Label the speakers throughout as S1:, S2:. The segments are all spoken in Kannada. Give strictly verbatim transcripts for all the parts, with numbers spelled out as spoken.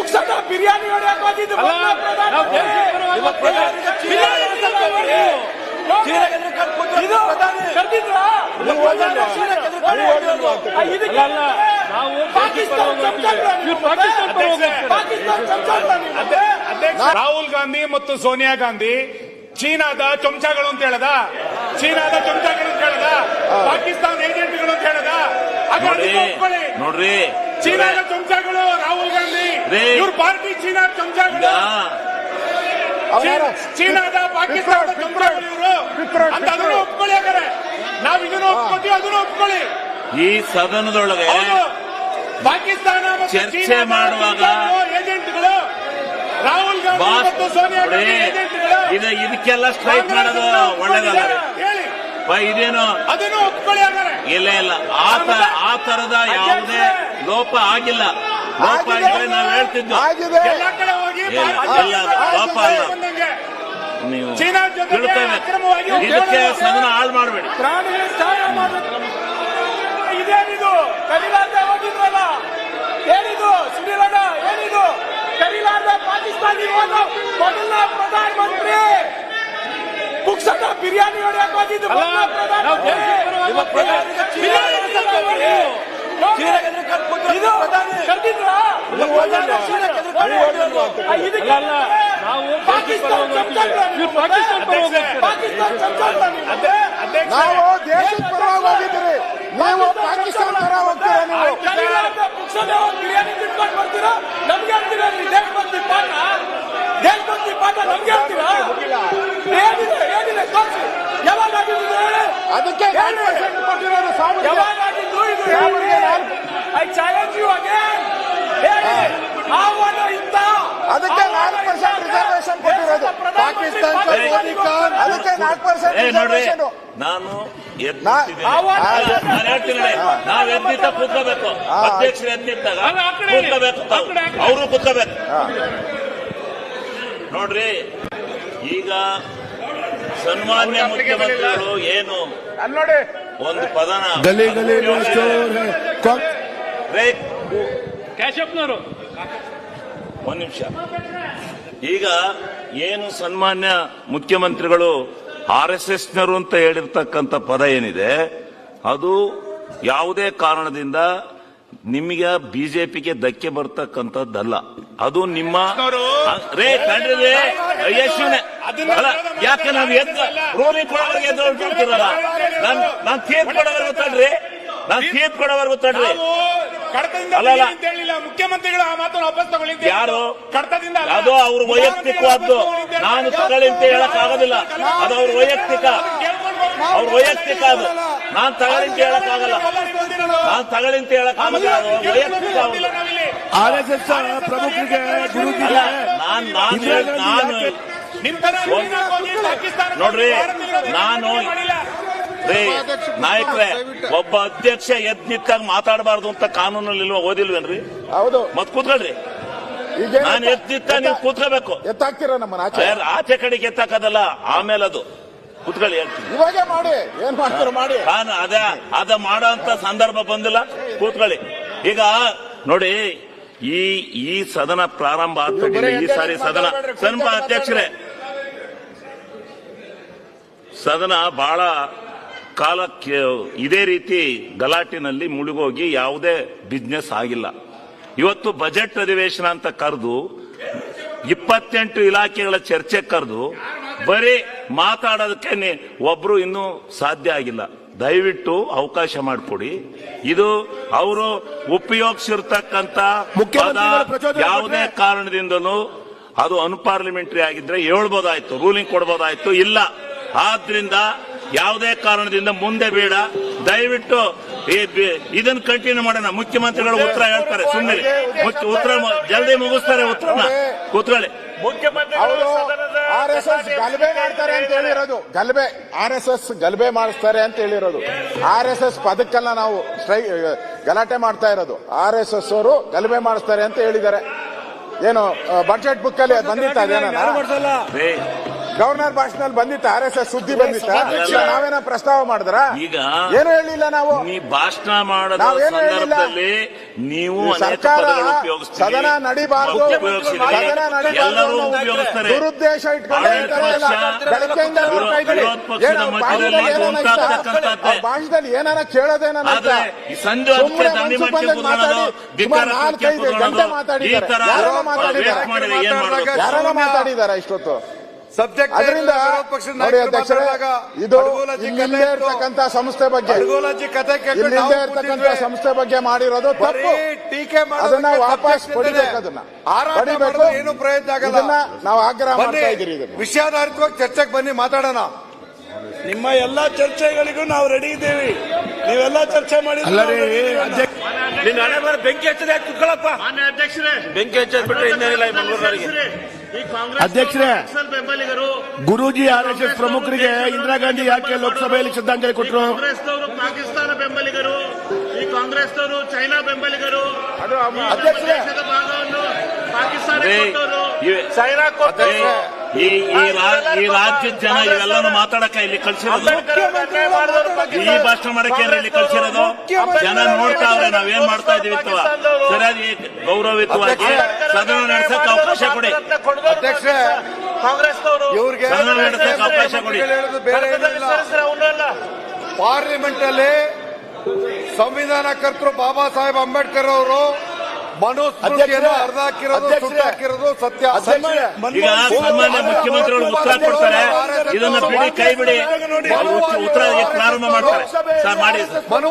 S1: ಪುಕ್ಸಟ ಬಿರಿಯಾನಿ ಹೊಡೆಯಕ್ಕೆ ಹೋಗಿದ್ದು
S2: ರಾಹುಲ್ ಗಾಂಧಿ ಮತ್ತು ಸೋನಿಯಾ ಗಾಂಧಿ ಚೀನಾದ ಚಮಚಗಳು ಅಂತ ಹೇಳದ, ಚೀನಾದ ಚಮಚಗಳು ಅಂತ ಹೇಳದ, ಪಾಕಿಸ್ತಾನ ಏಜೆಂಟ್ಗಳು ಅಂತ ಹೇಳದ.
S3: ನೋಡ್ರಿ,
S2: ಚೀನಾದ ಚಮಚಗಳು ರಾಹುಲ್ ಗಾಂಧಿ, ಇವ್ರ ಪಾರ್ಟಿ ಚೀನಾ ಚಮಚಗಳು, ಚೀನಾದ ಪಾಕಿಸ್ತಾನದ ಚಮಚಗಳು ಇವರು ಅಂತ ಅದನ್ನು ಒಪ್ಕೊಳ್ಳಿ. ಹಾಗಾದ್ರೆ ನಾವ್ ಇದನ್ನು ಒಪ್ಕೊತೀವಿ, ಅದನ್ನು ಒಪ್ಕೊಳ್ಳಿ.
S3: ಈ ಸದನದೊಳಗೆ
S2: ಪಾಕಿಸ್ತಾನ
S3: ಚರ್ಚೆ ಮಾಡುವಾಗ
S2: ಏಜೆಂಟ್ಗಳು ರಾಹುಲ್ ಗಾಂಧಿ ಮತ್ತು ಸೋನಿಯಾ ಗಾಂಧಿ ಏಜೆಂಟ್ಗಳು
S3: ಇದಕ್ಕೆಲ್ಲ ಸ್ಟ್ರೈಕ್ ಮಾಡೋದು ಒಳ್ಳೇದಲ್ಲ. ಇದೇನು
S2: ಅದನ್ನು ಒಪ್ಕೊಳ್ಳಿ. ಹಾಗಾದ್ರೆ
S3: ಇಲ್ಲ ಇಲ್ಲ ಆ ತರದ ಯಾವುದೇ ಲೋಪ ಆಗಿಲ್ಲ. ಲೋಪ ಆಗಿದ್ರೆ ನಾವು ಹೇಳ್ತಿದ್ವಿ,
S2: ಎಲ್ಲ ಕಡೆ ಹೋಗಿ
S3: ಲೋಪ ಅಲ್ಲ. ನೀವು
S2: ಚೀನಾ
S3: ತಿಳ್ತೇವೆ, ಇದಕ್ಕೆ ಸದನ ಹಾಳು ಮಾಡಬೇಡಿ.
S1: ಇದೇನಿದು ಕರಿಲಾರ್ದ ಹೋಗಿದ್ರಲ್ಲ, ಏನಿದು ಸುನಿಲಣ್ಣ, ಏನಿದು ಕರಿಲಾರ್ದ ಪಾಕಿಸ್ತಾನಿ ಹೋದ ಮೊದಲ ಪ್ರಧಾನಮಂತ್ರಿ ಪುಕ್ಸಟ ಬಿರಿಯಾನಿ ಹೊಡೆಯಕ್ಕೆ ಹೋಗಿದ್ದು
S4: ನಾವು ದೇಶದ ಪರವಾಗಿ ಹೋಗಿದ್ದೀರಿ, ನೀವು ಪಾಕಿಸ್ತಾನ ಪರ ಹೋಗ್ತೀರಾ? ನೀವು
S1: ಪುಕ್ಸಟ ಬಿರಿಯಾನಿ ತಿನ್ಕೊಂಡು ಬರ್ತೀರಾ, ನಮ್ಗೆ ಹೇಳ್ತೀರಾ ದೇಶಭಕ್ತಿ ಪಾಠ, ದೇಶಭಕ್ತಿ ಪಾಠ ನಮ್ಗೆ ಹೇಳ್ತೀರಾ? ಏನಿದೆ ಏನಿದೆ ತೋರಿಸಿ, ಯಾವಾಗ ಆಗಿದ್ದು ಹೇಳಿ.
S4: ಅದಕ್ಕೆ ಕೊಟ್ಟಿರೋದು
S1: ಯಾವಾಗ ಆಗಿದ್ದು ಇದು? I challenge you again. ಆಹ್ವಾನ ಇತ್ತ,
S4: ಅದಕ್ಕೆ ನಾಲ್ಕು ಪರ್ಸೆಂಟ್ ರಿಸರ್ವೇಶನ್ ಕೊಟ್ಟಿರೋದು ಪಾಕಿಸ್ತಾನ. ಅದಕ್ಕೆ ನಾಲ್ಕು ಪರ್ಸೆಂಟ್ ರಿಸರ್ವೇಶನ್.
S3: ನಾನು ನಾನು ಹೇಳ್ತೀನಿ, ನಾವ್ ಎದ್ದಿದ್ದ ಕೂತ್ಕೋಬೇಕು, ಅಧ್ಯಕ್ಷರು ಎದ್ದಿದ್ದಾಗ ಕೂತ್ಕೋಬೇಕು, ಅವರು ಕೂತ್ಕೋಬೇಕು. ನೋಡ್ರಿ, ಈಗ ಸನ್ಮಾನ್ಯ ಮುಖ್ಯಮಂತ್ರಿಗಳು ಏನು ಒಂದು ಪದನ ಒಂದ್ ನಿಮಿಷ, ಈಗ ಏನು ಸನ್ಮಾನ್ಯ ಮುಖ್ಯಮಂತ್ರಿಗಳು ಆರ್ ಎಸ್ ಎಸ್ ನವರು ಅಂತ ಹೇಳಿರ್ತಕ್ಕಂಥ ಪದ ಏನಿದೆ, ಅದು ಯಾವುದೇ ಕಾರಣದಿಂದ ನಿಮಗೆ ಬಿಜೆಪಿಗೆ ಧಕ್ಕೆ ಬರ್ತಕ್ಕಂಥದ್ದಲ್ಲ. ಅದು ನಿಮ್ಮ ರೇ ಕಂಡ್ರೆ ಯಶುನೆ ಅಲ್ಲ. ಯಾಕೆ ನಾವು ಎದ್ದು ರೂಲಿಂಗ್ ಕೊಡೋವರೆಗೆ ಎದ್ದು ಹೊರಟಿರ್ತೀರಲ್ಲ, ನಾನ್ ನಾನ್ ತೀರ್ಪು ಕೊಡೋವರೆಗೂ ತಡ್ರಿ, ನಾನ್ ತೀರ್ಪು ಕೊಡೋವರೆಗೂ ತಡ್ರಿ.
S2: ಅಲ್ಲ, ಮುಖ್ಯಮಂತ್ರಿಗಳು ಆ ಮಾತನ್ನು ವಾಪಸ್ ತಗೊಳ್ಳಿದ್ದಾರೆ.
S3: ಯಾರು ಅದು ಅವ್ರ ವೈಯಕ್ತಿಕವಾದ್ದು, ನಾನು ತಗೊಳ್ಳಿ ಅಂತ ಹೇಳಕ್ ಆಗೋದಿಲ್ಲ. ಅದು ಅವ್ರ ವೈಯಕ್ತಿಕ, ಅವ್ರ ವೈಯಕ್ತಿಕ. ಅದು ನಾನ್ ತಗೊಳ್ಳಿ ಅಂತ ಹೇಳಕ್ ಆಗಲ್ಲ, ನಾನ್ ತಗೊಳ್ಳಿ ಅಂತ ಹೇಳಕ್ ಆಗೋದಿಲ್ಲ. ವೈಯಕ್ತಿಕ
S4: ಆರ್ ಎಸ್ ಎಸ್ ಪ್ರಮುಖರಿಗೆ
S3: ನಾನ್ ನಾನು ನಾನು ನೋಡ್ರಿ, ನಾನು ರೇ ನಾಯಕರೇ, ಒಬ್ಬ ಅಧ್ಯಕ್ಷ ಎದ್ ನಿಂತಾಗ ಮಾತಾಡಬಾರ್ದು ಅಂತ ಕಾನೂನಲ್ಲಿ ಇಲ್ವಾ? ಓದಿಲ್ವೇನ್ರಿ?
S4: ಹೌದು.
S3: ಮತ್ ಕೂತ್ಕೊಳ್ರಿ. ನಾನು ಎದ್ ನಿಂತ ನೀವು ಕೂತ್ಕೋಬೇಕು.
S4: ಎತ್ತಾಕ್ತೀರ ನಮ್ಮನ್ನ
S3: ಆಚೆ ಕಡೆಗೆ ಎತ್ತಾಕದಲ್ಲ, ಆಮೇಲೆ ಅದು ಕೂತ್ಕೊಳ್ಳಿ ಹೇಳ್ತೀನಿ.
S4: ಇವಾಗೆ ಮಾಡಿ, ಏನ್ ಮಾಡ್ತಾರ ಮಾಡಿ.
S3: ನಾನು ಅದ ಅದ ಮಾಡೋ ಅಂತ ಸಂದರ್ಭ ಬಂದಿಲ್ಲ, ಕೂತ್ಕೊಳ್ಳಿ. ಈಗ ನೋಡಿ, ಈ ಈ ಸದನ ಪ್ರಾರಂಭ ಆಗ್ತದೆ. ಈ ಸಾರಿ ಸದನ ಸನ್ಮ ಅಧ್ಯಕ್ಷರೇ, ಸದನ ಬಹಳ ಕಾಲಕ್ಕೆ ಇದೇ ರೀತಿ ಗಲಾಟಿನಲ್ಲಿ ಮುಳುಗೋಗಿ ಯಾವುದೇ ಬಿಸ್ನೆಸ್ ಆಗಿಲ್ಲ. ಇವತ್ತು ಬಜೆಟ್ ಅಧಿವೇಶನ ಅಂತ ಕರೆದು ಇಪ್ಪತ್ತೆಂಟು ಇಲಾಖೆಗಳ ಚರ್ಚೆ ಕರೆದು ಬರೀ ಮಾತಾಡೋದಕ್ಕೆ ಒಬ್ರು ಇನ್ನೂ ಸಾಧ್ಯ ಆಗಿಲ್ಲ. ದಯವಿಟ್ಟು ಅವಕಾಶ ಮಾಡಿಕೊಡಿ. ಇದು ಅವರು ಉಪಯೋಗಿಸಿರ್ತಕ್ಕಂಥ ಯಾವುದೇ ಕಾರಣದಿಂದಲೂ ಅದು ಅನ್ಪಾರ್ಲಿಮೆಂಟರಿ ಆಗಿದ್ರೆ ಹೇಳ್ಬೋದಾಯ್ತು, ರೂಲಿಂಗ್ ಕೊಡ್ಬೋದಾಯ್ತು. ಇಲ್ಲ, ಆದ್ರಿಂದ ಯಾವುದೇ ಕಾರಣದಿಂದ ಮುಂದೆ ಬೇಡ. ದಯವಿಟ್ಟು ಇದನ್ನು ಕಂಟಿನ್ಯೂ ಮಾಡೋಣ. ಮುಖ್ಯಮಂತ್ರಿಗಳು ಉತ್ತರ ಹೇಳ್ತಾರೆ, ಸುಮ್ಮನೆ ಉತ್ತರ ಜಲ್ದಿ ಮುಗಿಸ್ತಾರೆ. ಉತ್ತರನ ಕೂತ್ಕೊಳ್ಳಿ.
S4: ಅವರು ಆರ್ ಎಸ್ ಎಸ್ ಗಲಭೆ ಮಾಡ್ತಾರೆ ಅಂತ ಹೇಳಿರೋದು, ಗಲಭೆ ಆರ್ ಎಸ್ ಎಸ್ ಗಲಭೆ ಮಾಡಿಸ್ತಾರೆ ಅಂತ ಹೇಳಿರೋದು. ಆರ್ ಎಸ್ ಎಸ್ ಪದಕ್ಕೆಲ್ಲ ನಾವು ಸ್ಟ್ರೈ ಗಲಾಟೆ ಮಾಡ್ತಾ ಇರೋದು. ಆರ್ ಎಸ್ ಎಸ್ ಅವರು ಗಲಭೆ ಮಾಡಿಸ್ತಾರೆ ಅಂತ ಹೇಳಿದ್ದಾರೆ. ಏನು ಬಜೆಟ್ ಬುಕ್ ಅಲ್ಲಿ ಬಂದಿತ್ತ ಅದೇನ? ಗವರ್ನರ್ ಭಾಷಣದಲ್ಲಿ ಬಂದಿತ್ತ ಆರ್ ಎಸ್ ಎಸ್ ಸುದ್ದಿ ಬಂದಿತ್ತ ನಾವೇನ ಪ್ರಸ್ತಾವ ಮಾಡಿದ್ರ
S3: ಈಗ
S4: ಏನು ಹೇಳಿಲ್ಲ ನಾವು
S3: ನೀ ಭಾಷಣ ಮಾಡದ
S4: ನಾವೇನು ಹೇಳಿಲ್ಲ.
S3: ಸಂದರ್ಭದಲ್ಲಿ ನೀವು ಅನೇಕ
S4: ಸರ್ಕಾರ
S3: ಪದಗಳು ಉಪಯೋಗಿಸ್ತೀರಿ.
S4: ಸದನ ನಡಿಬಾರ್ದು
S3: ಉಪಯೋಗಿಸಿರಿ.
S4: ಸದನ
S3: ಎಲ್ಲರೂ
S4: ನಡಿಬಾರ್ದು
S3: ಉಪಯೋಗಿಸ್ತಾರೆ.
S4: ದುರುದ್ದೇಶ ಇಟ್ಕೊಂಡು
S3: ಆಡಳಿತ
S4: ಹೇಳ್ತಾರೆ ಎಲ್ಲ.
S3: ಪಕ್ಷ,
S4: ಬೆಳಗ್ಗೆಯಿಂದ ನೋಡ್ತಾ ಇದ್ದೀರಿ.
S3: ವಿರೋಧ ಪಕ್ಷದ
S4: ಏನು
S3: ಮಧ್ಯದಲ್ಲಿ
S4: ಭಾಷಣದಲ್ಲಿ ಏನಾನ ಇತ್ತ?
S3: ಉಂಟಾಗ್ತಕ್ಕಂಥದ್ದೇ.
S4: ಆ ಭಾಷಣದಲ್ಲಿ ಏನಾನ ಕೇಳೋದೇನ
S3: ಆದ್ರೆ ಈ ಸಂಜೆ ಹೊತ್ತಿಗೆ ದಂಡಿ ಮಾಡ್ಕೊಂಡು ಕೂತ್ಕೊಳ್ಳೋದು, ಧಿಕ್ಕಾರ ಹಾಕಿ ಕೂತ್ಕೊಳ್ಳೋದು, ಈ ತರ ವೇಸ್ಟ್ ಮಾಡಿದ್ರೆ ಏನ್ ಮಾಡ್ಬೇಕು?
S4: ಯಾರನ್ನ ಮಾತಾಡಿದಾರ ಇಷ್ಟೊತ್ತು
S5: ಸಬ್ಜೆಕ್ಟ್
S4: ಅದರಿಂದ ನೋಡಿ ಅಧ್ಯಕ್ಷರೇ, ಇದು ಇಲ್ಲಿಂದೇ ಇರ್ತಕ್ಕಂಥ ಸಂಸ್ಥೆ ಬಗ್ಗೆ
S5: ಕತೆ
S4: ಇಲ್ಲಿಂದೇ ಇರ್ತಕ್ಕಂಥ ಸಂಸ್ಥೆ ಬಗ್ಗೆ ಮಾಡಿರೋದು ತಪ್ಪು.
S5: ಟೀಕೆ
S4: ಅದನ್ನ ವಾಪಸ್ ಪಡಿಬೇಕು. ಅದನ್ನ ಪಡಿಬೇಕು.
S5: ಏನು ಪ್ರಯತ್ನ ಆಗಲ್ಲ.
S4: ಇದನ್ನ ನಾವು ಆಗ್ರಹ ಮಾಡ್ತಾ ಇದ್ದೀರಿ. ಇದನ್ನ
S5: ವಿಷಯಾಧಾರಿತವಾಗಿ ಚರ್ಚೆಗೆ ಬನ್ನಿ, ಮಾತಾಡೋಣ.
S1: ನಿಮ್ಮ ಎಲ್ಲಾ ಚರ್ಚೆಗಳಿಗೂ ನಾವು ರೆಡಿ ಇದ್ದೇವೆ. ನೀವೆಲ್ಲ ಚರ್ಚೆ ಮಾಡಿ ನಿನ್ನ ಹಣೆ ಮೇಲೆ ಬೆಂಕಿ ಹಚ್ಚದೆ ಕುತ್ಕೊಳ್ಳಪ್ಪ. ಬೆಂಕಿ ಹಚ್ಚದ್ ಬಿಟ್ರೆ ಇನ್ನೇನಿಲ್ಲ ಈ ಮಂಗಳೂರಿಗೆ.
S6: ಅಧ್ಯಕ್ಷರೇ, ಗುರೂಜಿ ಆರ್ ಎಸ್ ಎಸ್ ಪ್ರಮುಖರಿಗೆ ಇಂದಿರಾ ಗಾಂಧಿ ಯಾಕೆ ಲೋಕಸಭೆಯಲ್ಲಿ ಶ್ರದ್ಧಾಂಜಲಿ ಕೊಟ್ಟರು?
S7: ಕಾಂಗ್ರೆಸ್ನವರು ಪಾಕಿಸ್ತಾನ ಬೆಂಬಲಿಗರು, ಈ ಕಾಂಗ್ರೆಸ್ನವರು ಚೈನಾ ಬೆಂಬಲಿಗರು,
S4: ಅಧ್ಯಕ್ಷರೇ,
S7: ದೇಶದ ಭಾಗವನ್ನು ಪಾಕಿಸ್ತಾನ ಕೊಟ್ಟವರು.
S1: ಚೈನಾ ಕೊಟ್ಟರೆ
S3: ಈ ಈ ರಾ- ಈ ರಾಜ್ಯದ ಜನ ಇವೆಲ್ಲಾನು ಮಾತಾಡಕ ಇಲ್ಲಿ ಕಳ್ಸಿರೋದು, ಈ ಭಾಷಣ ಮಾಡಕ್ಕೆ ಇಲ್ಲಿ ಕಳ್ಸಿರೋದು. ಜನ ನೋಡ್ತಾವ್ರೆ ನಾವೇನ್ ಮಾಡ್ತಾ ಇದೀವಿ ಅಥವಾ ಸರಿಯಾಗಿ ಗೌರವಯುತವಾಗಿ ಸದನ ನಡೆಸಕ್ಕೆ ಅವಕಾಶ ಕೊಡಿ.
S5: ಅಧ್ಯಕ್ಷರೇ,
S7: ಕಾಂಗ್ರೆಸ್ನವರು
S5: ಇವ್ರಿಗೆ
S3: ಸದನ ನಡೆಸಕ್ಕೆ ಅವಕಾಶ ಕೊಡಿ.
S5: ಹೇಳೋದು ಬೇರೆ ಏನಿಲ್ಲ. ಪಾರ್ಲಿಮೆಂಟ್ ಅಲ್ಲಿ ಸಂವಿಧಾನ ಕರ್ತರು ಬಾಬಾ ಸಾಹೇಬ್ ಅಂಬೇಡ್ಕರ್ ಅವರು ಮನುಸ್ಮೃತಿಯನ್ನು ಅರ್ಧ ಹಾಕಿರೋದು, ಸುಟ್ಟು ಹಾಕಿರೋದು ಸತ್ಯ.
S3: ಈಗ ಸನ್ಮಾನ್ಯ ಮುಖ್ಯಮಂತ್ರಿಗಳು ಉತ್ತರ ಕೊಡ್ತಾರೆ, ಇದನ್ನ ಬಿಡಿ, ಕೈ ಬಿಡಿ. ಅವ್ರು ಉತ್ತರ- ಉತ್ತರ ಪ್ರಾರಂಭ ಮಾಡ್ತಾರೆ. ಸರ್ ಮಾಡಿ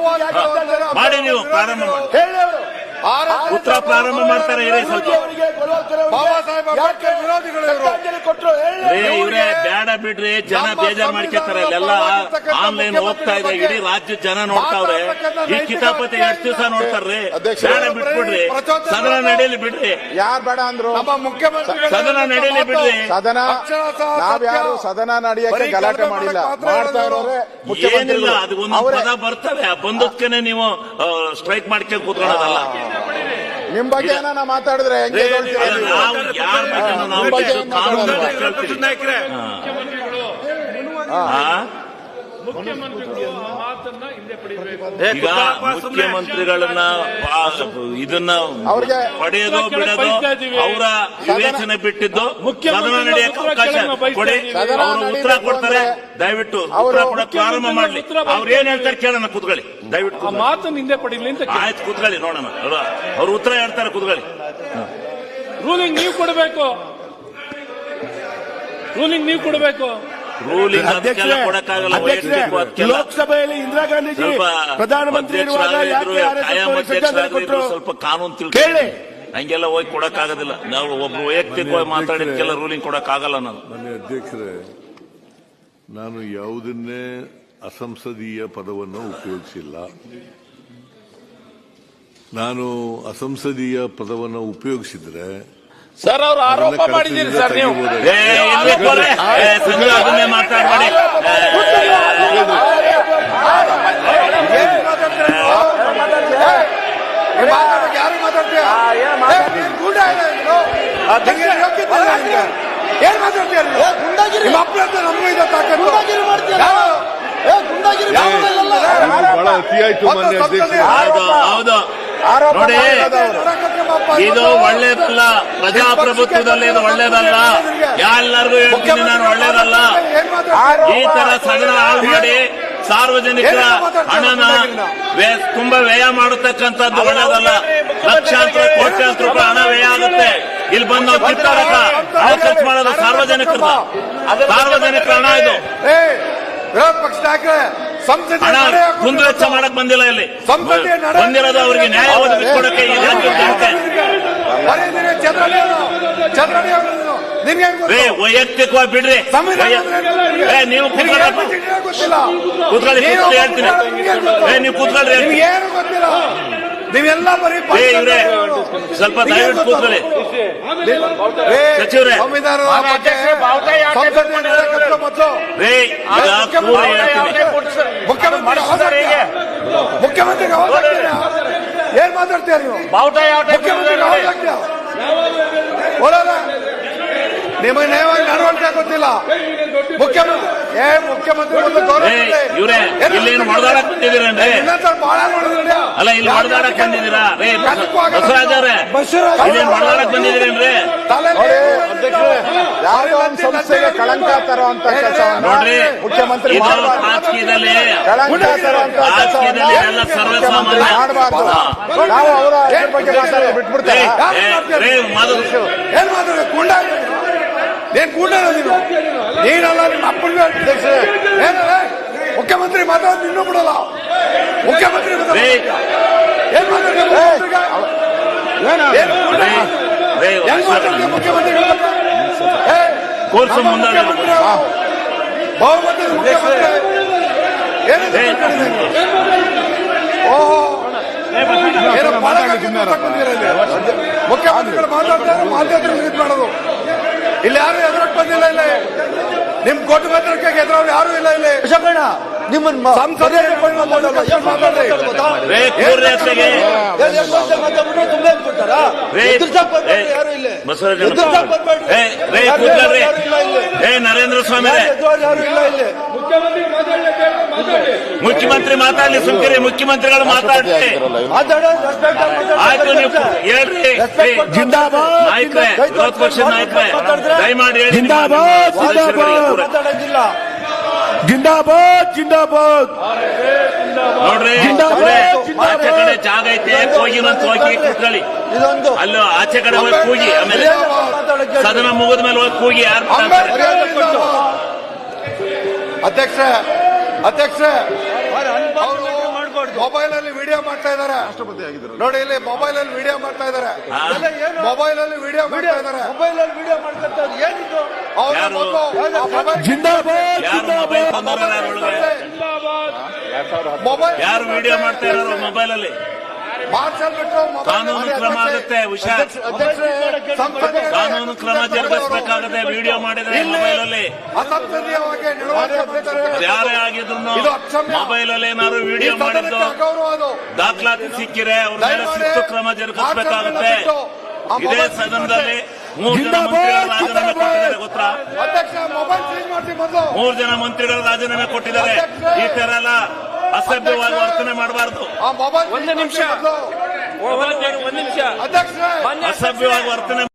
S3: ಮಾಡಿ ನೀವು ಪ್ರಾರಂಭ ಮಾಡಿ. ಉತ್ತರ ಪ್ರಾರಂಭ ಮಾಡ್ತಾರೆ. ಇರೇ ಸ್ವಲ್ಪ
S5: ಬಾಬಾ ಸಾಹೇಬ್ ಅಂಬೇಡ್ಕರ್ ವಿರೋಧಿಗಳು ಇವರು.
S3: ಏ ಇವ್ರೆ ಬೇಡ ಬಿಡ್ರಿ, ಜನ ಬೇಜಾರ್ ಮಾಡ್ಕೊತಾರೆ. ಇಲ್ಲೆಲ್ಲ ಆನ್ಲೈನ್ ಹೋಗ್ತಾ ಇದೆ, ಇಡೀ ರಾಜ್ಯ ಜನ ನೋಡ್ತಾವ್ರೆ. ಈ ಕಿತಾಪತಿ ಎಷ್ಟು ದಿವಸ ನೋಡ್ತಾರ್ರಿ? ಬೇಡ ಬಿಟ್ಬಿಡ್ರಿ, ಸದನ ನಡೆಯಲಿ ಬಿಡ್ರಿ.
S4: ಯಾರು ಬೇಡ ಅಂದ್ರು?
S5: ನಮ್ಮ ಮುಖ್ಯಮಂತ್ರಿ
S3: ಸದನ ನಡೆಯಲಿ ಬಿಡ್ರಿ.
S4: ಸದನ ನಾವ್ಯಾರು ಸದನ ನಡೆಯಕ್ಕೆ ಗಲಾಟೆ ಮಾಡಿಲ್ಲ. ಮಾಡ್ತಾ ಇರೋರೆ
S3: ಏನಿಲ್ಲ,
S4: ಮುಖ್ಯಮಂತ್ರಿಗಳು.
S3: ಅದು ಒಂದೊಂದು ಪದ ಬರ್ತವೆ, ಆ ಬಂದದ್ಕೆನೆ ನೀವು ಸ್ಟ್ರೈಕ್ ಮಾಡ್ಕೊಂಡು ಕೂತ್ಕೊಳ್ಳೋದಲ್ಲ.
S4: ನಿಮ್ ಬಗ್ಗೆ ಏನಾನ ಮಾತಾಡಿದ್ರೆ ಹೆಂಗೆ ಹೇಳ್ತೀರಾ
S3: ಅಲ್ಲ,
S4: ನೀವು?
S3: ನಾವು ಯಾರ ಬಗ್ಗೆ ನಾವು
S4: ನಿಮ್ಮ ಬಗ್ಗೆ ಏನ್
S3: ಕಾನೂನು
S4: ಮಾತಾಡೋದು?
S3: ಕೇಳ್ತೀವಿ.
S7: ಮುಖ್ಯಮಂತ್ರಿಗಳು
S3: ಹಾ?
S7: ಮುಖ್ಯಮಂತ್ರಿಗಳು ಆ ಮಾತನ್ನ ಹಿಂದೆ ಪಡಿಬೇಕು.
S3: ಈಗ ಮುಖ್ಯಮಂತ್ರಿಗಳನ್ನ ಪಾ- ಇದನ್ನ
S4: ಅವ್ರಿಗೆ
S3: ಪಡೆಯೋದು ಬಿಡೋದು ಅವರ ವಿವೇಚನೆ ಬಿಟ್ಟಿದ್ದು. ಸದನ ನಡೆಯಕ್ಕೆ ಅವಕಾಶ ಕೊಡಿ. ಅವರು ಉತ್ತರ ಕೊಡ್ತಾರೆ, ದಯವಿಟ್ಟು ಉತ್ತರ ಕೊಡಕ್ಕೆ ಪ್ರಾರಂಭ ಮಾಡ್ಲಿ. ಅವ್ರು ಏನ್ ಹೇಳ್ತಾರೆ ಕೇಳೋಣ, ಕೂತ್ಕೊಳ್ಳಿ ದಯವಿಟ್ಟು.
S7: ಆ ಮಾತನ್ನ ಹಿಂದೆ ಪಡಿಲಿ ಅಂತ
S3: ಆಯ್ತು, ಕೂತ್ಕೊಳ್ಳಿ ನೋಡೋಣ. ಅವ್ರು ಉತ್ತರ ಹೇಳ್ತಾರೆ, ಕೂತ್ಕೊಳ್ಳಿ.
S7: ರೂಲಿಂಗ್ ನೀವು ಕೊಡಬೇಕು. ರೂಲಿಂಗ್ ನೀವು ಕೊಡಬೇಕು.
S3: ರೂಲಿಂಗ್ ಅದಕ್ಕೆಲ್ಲ
S6: ಅಧ್ಯಕ್ಷರೇ,
S3: ಕೊಡಕ್ಕಾಗಲ್ಲ.
S6: ಅಧ್ಯಕ್ಷರೇ,
S3: ವೈಯಕ್ತಿಕ ಅದಕ್ಕೆಲ್ಲ
S6: ಲೋಕಸಭೆಯಲ್ಲಿ ಇಂದಿರಾ ಗಾಂಧೀಜಿ
S3: ಸ್ವಲ್ಪ
S6: ಪ್ರಧಾನಮಂತ್ರಿ ಇರುವಾಗ ಯಾಕೆ ಆರ್ ಎಸ್ ಎಸ್
S3: ಕಾಯಂ
S6: ಶ್ರದ್ಧಾಂಜಲಿ
S3: ಅಧ್ಯಕ್ಷರಾಗಿದ್ರು
S6: ಕೊಟ್ಟರು?
S3: ಸ್ವಲ್ಪ ಕಾನೂನು
S6: ಕೇಳಿ.
S3: ತಿಳ್ಕೊಳ್ಳಿ. ಹಂಗೆಲ್ಲ ಹೋಗಿ ಕೊಡಕ್ಕಾಗೋದಿಲ್ಲ. ನಾವು ಒಬ್ರು ವೈಯಕ್ತಿಕವಾಗಿ ಮಾತಾಡಿದ್ಕೆಲ್ಲ ರೂಲಿಂಗ್ ಕೊಡಕ್ಕಾಗಲ್ಲ. ನಾನು
S8: ಮಾನ್ಯ ಅಧ್ಯಕ್ಷರೇ, ನಾನು ಯಾವುದನ್ನೇ ಅಸಂಸದೀಯ ಪದವನ್ನು ಉಪಯೋಗಿಸಿಲ್ಲ. ನಾನು ಅಸಂಸದೀಯ ಪದವನ್ನು ಉಪಯೋಗಿಸಿದ್ರೆ
S1: ಸರ್ ಅವ್ರು ಆರೋಪ ಮಾಡಿದ್ದೀರಿ ಸರ್ ನೀವು.
S3: ಏ, ಇರ್ಲಿ ಕೊಲೆ. ಏ, ಸಂಜೆ ಅದನ್ನೇ ಮಾತಾಡ್ಬೇಡಿ.
S5: ಯಾರು ಮಾತಾಡ್ತೀಯ? ಏನ್ ಗೂಂಡ ಇಲ್ಲ ನೀನು? ನಿಂಗೆ ಯೋಗ್ಯತೆ ಇಲ್ಲ ನಿಂಗೆ. ಏನ್ ಮಾತಾಡ್ತೀಯ ನೀನು? ನಿಮ್ಮ ಅಪ್ಪನ ಹತ್ರ ನಮಗೂ ಇದೆ ತಾಕತ್ತು. ಯಾರು?
S8: ಬಹಳ ಅತಿಯಾಯ್ತು ಮಾನ್ಯ ಅಧ್ಯಕ್ಷರೇ.
S3: ಹೌದು ಹೌದು
S4: ಆರೋಪ
S3: ನೋಡಿ,
S4: ಮಾಡೋದು ಅವ್ರು.
S3: ಇದು ಒಳ್ಳೇದಲ್ಲ. ಪ್ರಜಾಪ್ರಭುತ್ವದಲ್ಲಿ ಇದು ಒಳ್ಳೇದಲ್ಲ. ಎಲ್ಲರಿಗೂ ಹೇಳ್ತೀನಿ ನಾನು, ಒಳ್ಳೇದಲ್ಲ. ಈ ತರ ಸದನ ಹಾಳು ಮಾಡಿ ಸಾರ್ವಜನಿಕರ ಹಣನ ವ್ಯ- ತುಂಬಾ ವ್ಯಯ ಮಾಡತಕ್ಕಂಥದ್ದು ಒಳ್ಳೇದಲ್ಲ. ಲಕ್ಷಾಂತರ ಕೋಟ್ಯಾಂತರ ರೂಪಾಯಿ ಹಣ ವ್ಯಯ ಆಗುತ್ತೆ. ಇಲ್ಲಿ ಬಂದು ನಾವು ಕಿತ್ತಾಡಕ ಹಣ ಖರ್ಚು ಮಾಡೋದು ಸಾರ್ವಜನಿಕರ ಸಾರ್ವಜನಿಕರ ಹಣ ಇದು.
S5: ಏ, ವಿರೋಧ ಪಕ್ಷ ನಾಯಕರೇ, ಸಂಸದೀಯ
S3: ಹಣ
S5: ನಡೆ ಹಾಕು.
S3: ಕುಂದುವೆಚ್ಚ ಮಾಡಕ್ ಬಂದಿಲ್ಲ ಇಲ್ಲಿ.
S5: ಸಂಸದೀಯ ನಡೆ
S3: ಬಂದಿರೋದು ಅವರಿಗೆ ನ್ಯಾಯ ಒದಗಿಸಿಕೊಡಕ್ಕೆ ಈ ರಾಜ್ಯದ ಜನತೆ.
S5: ಬರೀ ನೀನು ಚಂದ್ರಳ್ಳಿ ಅವರು, ಚಂದ್ರಳ್ಳಿ ಅವರು ನೀನು. ನಿನ್ಗೆ ಏನ್ ಗೊತ್ತು?
S3: ಏ, ವೈಯಕ್ತಿಕವಾಗಿ ಬಿಡ್ರಿ.
S5: ಸಂವಿಧಾನ
S3: ವೈಯ-
S5: ಅಂದ್ರೆ ಏನು ನಿನ್ಗೆ?
S3: ಏ, ನೀವು
S5: ನಿನ್ಗೆ
S3: ಕೂತ್ಕೊಳ್ಳಿ.
S5: ಏನು ಗೊತ್ತಿಲ್ಲ, ಗೊತ್ತಿಲ್ಲ.
S3: ಕೂತ್ಕೊಳ್ಳಿ,
S5: ನೀನು
S3: ಕೂತ್ಕೊಳ್ಳಿ ಹೇಳ್ತೀನಿ.
S5: ನಿನ್ಗೆ ಏನ್ ಗೊತ್ತು?
S3: ಏ, ನೀವು ಕೂತ್ಕೊಳ್ಳಿ ಹೇಳ್ತೀನಿ.
S5: ನಿಮ್ಗೆ ಏನು ಗೊತ್ತಿಲ್ಲ. ನೀವೆಲ್ಲ ಬರೀ
S3: ಏ, ಇವ್ರೆ ಸ್ವಲ್ಪ ದಯವಿಟ್ಟು ಕೂತ್ಕೊಳ್ಳಿ. ಸಚಿವರೇ.
S5: ಸಂವಿಧಾನದ ಬಗ್ಗೆ ಸಂಸದೀಯ ನಡೆ ಕಟ್ಟೋ ಮೊದಲು
S3: ರೇ, ಈಗ ಪೂರ ಹೇಳ್ತೀನಿ.
S5: ಮುಖ್ಯಮಂತ್ರಿ ಅವಕಾಶ ಮುಖ್ಯಮಂತ್ರಿಗೆ ಅವಕಾಶ ಏನ್ ಮಾತಾಡ್ತೀಯ ನೀವು? ಮುಖ್ಯಮಂತ್ರಿಗೆ ಅವಕಾಶ ಓಡೋದ ನಿಮಗೆ ನ್ಯಾಯವಾಗಿ ನಡವಳಿಕೆ ನಿಮ್ಗೆ ಗೊತ್ತಿಲ್ಲ ಮುಖ್ಯಮಂತ್ರಿ ಏ ಮುಖ್ಯಮಂತ್ರಿ ಒಂದು ಗೌರವ
S3: ಏ,
S5: ಇದೆ.
S3: ಇವ್ರೇ
S5: ಏನು
S3: ಇಲ್ಲೇನು ಹೊಡೆದಾಡಕ್ ಬಂದಿದ್ದೀರೇನ್ರಿ?
S5: ಇನ್ನೊಂದ್ಸಲ ಬಾಳ ನೋಡಿದ್ರಿ
S3: ಅಲ್ಲ ಇಲ್ಲಿ ಹೊಡೆದಾಡಕ್ ಬಂದಿದ್ದೀರಾ ರೇ ಬಸವರಾಜ್ ಅವ್ರೆ? ಇಲ್ಲೇನು ಹೊಡೆದಾಡಕ್ ಬಂದಿದ್ದೀರೇನ್ರಿ?
S4: ನೋಡಿ, ಯಾವುದೋ ಒಂದು ಸಂಸ್ಥೆಗೆ ಕಳಂಕ ತರುವಂತ ಕೆಲಸವನ್ನು
S3: ನೋಡ್ರಿ
S4: ಮುಖ್ಯಮಂತ್ರಿ
S3: ಇದು
S4: ಮಾಡಬಾರ್ದು.
S3: ರಾಜಕೀಯದಲ್ಲಿ
S4: ಕಳಂಕ ತರುವಂತ
S3: ರಾಜಕೀಯದಲ್ಲಿ ಎಲ್ಲ ಸರ್ವಸಾಮಾನ್ಯ
S4: ಮಾಡಬಾರ್ದು. ನಾವು ಅವರ ಅದ್ರ ಬಗ್ಗೆ ಮಾತಾಡೋದು ಬಿಟ್ಬಿಡ್ತಾರೆ.
S3: ಏ, ರೇ ಮಾಧವ್
S5: ಏನ್ ಮಾತಾಡ ಗುಂಡ ಏನ್ ಗುಂಡ ನೀನು ನೀನಲ್ಲ ನಿಮ್ಮ ಅಪ್ಪನಿಗೆ ಏನಲ್ಲ ಮುಖ್ಯಮಂತ್ರಿ ಮಾತಾಡೋದು ಇನ್ನೂ ಬಿಡಲ್ಲ ಮುಖ್ಯಮಂತ್ರಿ ಮಾತಾಡೋದು.
S3: ರೇ
S5: ಏನ್ ಮಾತಾಡ್ತೀಯ ಮುಖ್ಯಮಂತ್ರಿಗೆ? ಏನ್ ಗುಂಡ?
S3: ರೇ ರೇ
S5: ಹೆಂಗ್ ಮಾತಾಡ್ತೀಯ ಮುಖ್ಯಮಂತ್ರಿಗಳ ಬಗ್ಗೆ? ಏ,
S3: ಕೋರ್ಸ್
S5: ನಮ್ಮ
S3: ಮುಂದೆ
S5: ಮುಖ್ಯಮಂತ್ರಿ ಅವರು ಬಹುಮತದ ಮುಖ್ಯಮಂತ್ರಿ ಏನಿದೆ ಓಹೋ ಏನೋ ಬಾಳಕಾಗಿ ಮಾತಾಡ್ತಿದ್ದೀರ ಇಲ್ಲಿ. ಮುಖ್ಯಮಂತ್ರಿಗಳು ಮಾತಾಡ್ತಾರೆ ಮಾತಾಡ್ತಾರೆ ಇದು ಮಾಡೋದು ಇಲ್ಲಿ ಯಾರು ಎದುರಕ್ಕೆ ಬಂದಿಲ್ಲ ಇಲ್ಲಿ ನಿಮ್ ಕೋಟಿ ಮಂತ್ರಕ್ಕೆ ಎದುರವ್ರು ಯಾರು ಇಲ್ಲ ಇಲ್ಲಿ ನಿಮ್ಮನ್ನ ಸಂಸದೀಯ ಮಾತಾಡಲ್ಲ ಏನ್ ಮಾತಾಡ್ರಿ
S3: ರೇ ಕೂರ್ರಿ ಅತ್ತೆಗೆ ರೇ ರೇ ಬಸವರಾಜ್ ಏ ರೇ ಕೂತ್ಕೊಳ್ರಿ. ಏ ನರೇಂದ್ರ ಸ್ವಾಮಿ ರೇ ಮುಖ್ಯಮಂತ್ರಿ ಮಾತಾಡ್ಲಿ ಸುಮ್ಕಿರಿ ಮುಖ್ಯಮಂತ್ರಿಗಳು ಮಾತಾಡ್ಲಿ ಆಯ್ತು ನೀವು ಹೇಳ್ರಿ.
S6: ಜಿಂದಾಬಾದ್
S3: ನಾಯಕರೇ ವಿರೋಧ ಪಕ್ಷದ ನಾಯಕರೇ ದಯಮಾಡಿ ಹೇಳಿ.
S6: ಜಿಂದಾಬಾದ್ ಜಿಂದಾಬಾದ್ ಜಿಂದಾಬಾದ್
S3: ನೋಡ್ರಿ
S6: ಜಿಂದಾಬಾದ್,
S3: ಅವ್ರೆ,
S6: ಜಿಂದಾಬಾದ್.
S3: ಆಚೆ ಕಡೆ ಜಾಗ ಐತೆ ಹೋಗಿನಂತ ಹೋಗಿ ಕೂತ್ಕೊಳ್ಳಿ. ಅಲ್ಲೂ ಆಚೆ ಕಡೆ ಹೋಗಿ ಕೂಗಿ ಆಮೇಲೆ ಸದನ ಮುಗಿದ ಮೇಲೆ ಹೋಗಿ ಕೂಗಿ ಯಾರು
S5: ಅಧ್ಯಕ್ಷ ಅಧ್ಯಕ್ಷ ಮೊಬೈಲ್ ಅಲ್ಲಿ ವಿಡಿಯೋ ಮಾಡ್ತಾ ಇದಾರೆ ನೋಡಿ ಇಲ್ಲಿ ಮೊಬೈಲ್ ಅಲ್ಲಿ ವಿಡಿಯೋ ಮಾಡ್ತಾ ಇದಾರೆ ಮೊಬೈಲ್ ಅಲ್ಲಿ ವಿಡಿಯೋ ಮಾಡ್ತಾ ಇದಾರೆ ಮೊಬೈಲ್ ಅಲ್ಲಿ ವಿಡಿಯೋ ಮಾಡ್ತಾ ಏನಿದು
S3: ಯಾರು?
S6: ಜಿಂದಾಬಾದ್
S3: ಯಾರು ಮೊಬೈಲ್ ತಂದವ್ರು ಯಾರು ಒಳಗೆ?
S5: ಮೊಬೈಲ್
S3: ಯಾರು ವಿಡಿಯೋ ಮಾಡ್ತಾ ಇರೋರು ಮೊಬೈಲ್ ಅಲ್ಲಿ?
S5: ಮಾರ್ಷಲ್ ಬಿಟ್ಟು
S3: ಕಾನೂನು ಕ್ರಮ ಆಗುತ್ತೆ ಹುಷಾರ್. ಕಾನೂನು ಕ್ರಮ ಜರುಗಿಸಬೇಕಾಗುತ್ತೆ ವಿಡಿಯೋ ಮಾಡಿದ್ರೆ ಮೊಬೈಲ್ ಅಲ್ಲಿ.
S5: ಅಸಂಸದೀಯವಾಗಿ ನಡವಳಿಕೆ ಮಾಡ್ತಾರೆ.
S3: ಯಾರೇ ಆಗಿದ್ರು
S5: ಇದು ಅಕ್ಷಮ್ಯ.
S3: ಮೊಬೈಲ್ ಅಲ್ಲಿ ಏನಾದ್ರು ವಿಡಿಯೋ ಮಾಡಿದ್ದು
S5: ಗೌರವ ಅದು
S3: ದಾಖಲಾತಿ ಸಿಕ್ಕಿರೆ ಅವ್ರ ಮೇಲೆ ಶಿಸ್ತು ಕ್ರಮ ಜರುಗಿಸಬೇಕಾಗುತ್ತೆ. ಇದೇ ಸದನದಲ್ಲಿ ಮೂರು ಜನ ಮಂತ್ರಿಗಳು ರಾಜೀನಾಮೆ ಕೊಟ್ಟಿದ್ದಾರೆ ಗೊತ್ತಾ?
S5: ಅಧ್ಯಕ್ಷ ಮೊಬೈಲ್ ಚೇಂಜ್ ಮಾಡ್ತೀವಿ ಮೊದಲು
S3: ಮೂರು ಜನ ಮಂತ್ರಿಗಳು ರಾಜೀನಾಮೆ ಕೊಟ್ಟಿದ್ದಾರೆ. ಈ ತರ ಎಲ್ಲ ಅಸಭ್ಯವಾಗಿ ವರ್ತನೆ ಮಾಡಬಾರ್ದು.
S5: ಆ ಮೊಬೈಲ್ ಒಂದು ನಿಮಿಷ ಒಂದು ನಿಮಿಷ ಅಧ್ಯಕ್ಷ
S3: ಅಸಭ್ಯವಾಗಿ ವರ್ತನೆ